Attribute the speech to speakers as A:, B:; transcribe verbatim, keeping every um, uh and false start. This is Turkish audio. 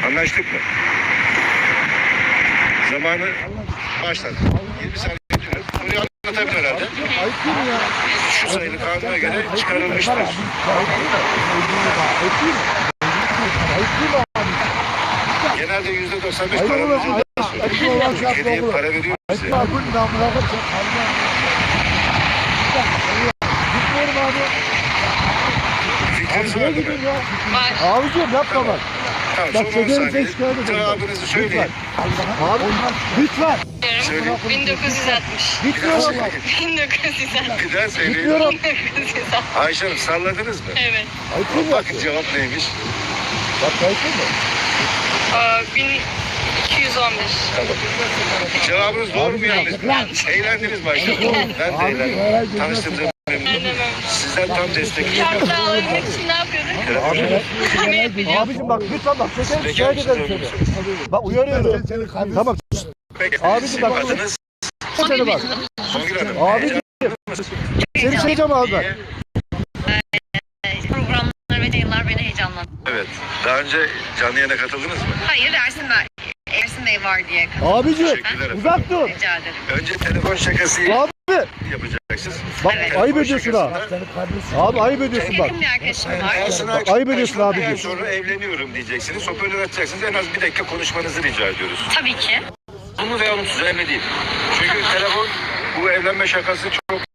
A: Anlaştık mı? Zamanı başladı. yirmi saniye getiriyorum. Orayı anlatabilir herhalde.
B: Ayıp değil mi ya?
A: Şu sayılı kanuna göre çıkarılmıştır.
B: Ayıp değil mi? Ayıp değil mi? Ayıp değil mi abi?
A: Genelde yüzde doksan beş
B: Ayıp
A: para
B: olan
A: veriyor.
B: ayıp olan şey
A: Hediye
B: yapma
A: para veriyor
B: Ayıp
A: bize.
B: var. Bu namına bakacak. Gitmiyorum abi.
A: Fikriniz
B: Niye
A: var mı?
B: gideyim ya?
C: Var.
B: Abicim yapma bak.
A: Tamam,
B: Bak
A: son on
B: çekerim
A: saniye.
B: sen şikayet ederim.
A: Cevabınızı söyleyin.
B: Abi lütfen.
A: Söyleyin.
C: bin dokuz yüz altmış.
B: Gitmiyorum ama.
C: bin dokuz yüz altmış.
A: Bir daha söyleyin.
B: Gitmiyorum.
C: bin dokuz yüz altmış.
A: Ayşe Hanım salladınız mı?
C: Evet.
B: Ayıp değil mi?
A: Bakın cevap neymiş?
B: Bak ayıp değil mi?
C: Aa, bin iki yüz on bir.
A: Tamam. Cevabınız doğru mu yanlış mı?
C: Yanlış.
A: Eğlendiniz mi Ayşe Hanım? Ben de
B: Abi,
A: eğlendim.
B: herhalde
A: Tanıştığımıza memnunum.
C: Aynen öyle.
A: Sizden tam destek
C: Şarkı alabilmek için ne yapıyorduk?
A: Telefon-
C: Ne yapacağız?
B: Abicim bak lütfen bak çekerim
A: Bekar
B: şikayet ederim
A: mısınız?
B: seni. Bak uyarıyorum. Tamam.
A: Peki,
B: Abicim
A: sizin
B: bak-
A: adınız
B: Seni bak.
A: Songül Hanım.
B: Abicim. Seni çekeceğim abi ben.
D: Programlar ve yayınlar beni heyecanlandırdı.
A: Evet. Daha önce canlı yayına katıldınız mı?
D: Hayır, Ersin Bey, Ersin Bey var diye katıldım.
B: Abicim
A: Teşekkürler
B: uzak dur.
D: Rica ederim.
A: Önce telefon şakası
B: Abi.
A: yapacaksınız.
B: Bak
D: Evet.
B: ayıp ediyorsun ha. Abi ayıp ediyorsun bak.
D: Yakın bir arkadaşım var.
A: Ersin
B: Bak, ayıp ediyorsun
A: Aksu'dan
B: abicim.
A: sonra evleniyorum diyeceksiniz. Hoparlör açacaksınız. En az bir dakika konuşmanızı rica ediyoruz.
D: Tabii ki.
A: Olumlu veya olumsuz önemli değil. Çünkü telefon bu evlenme şakası çok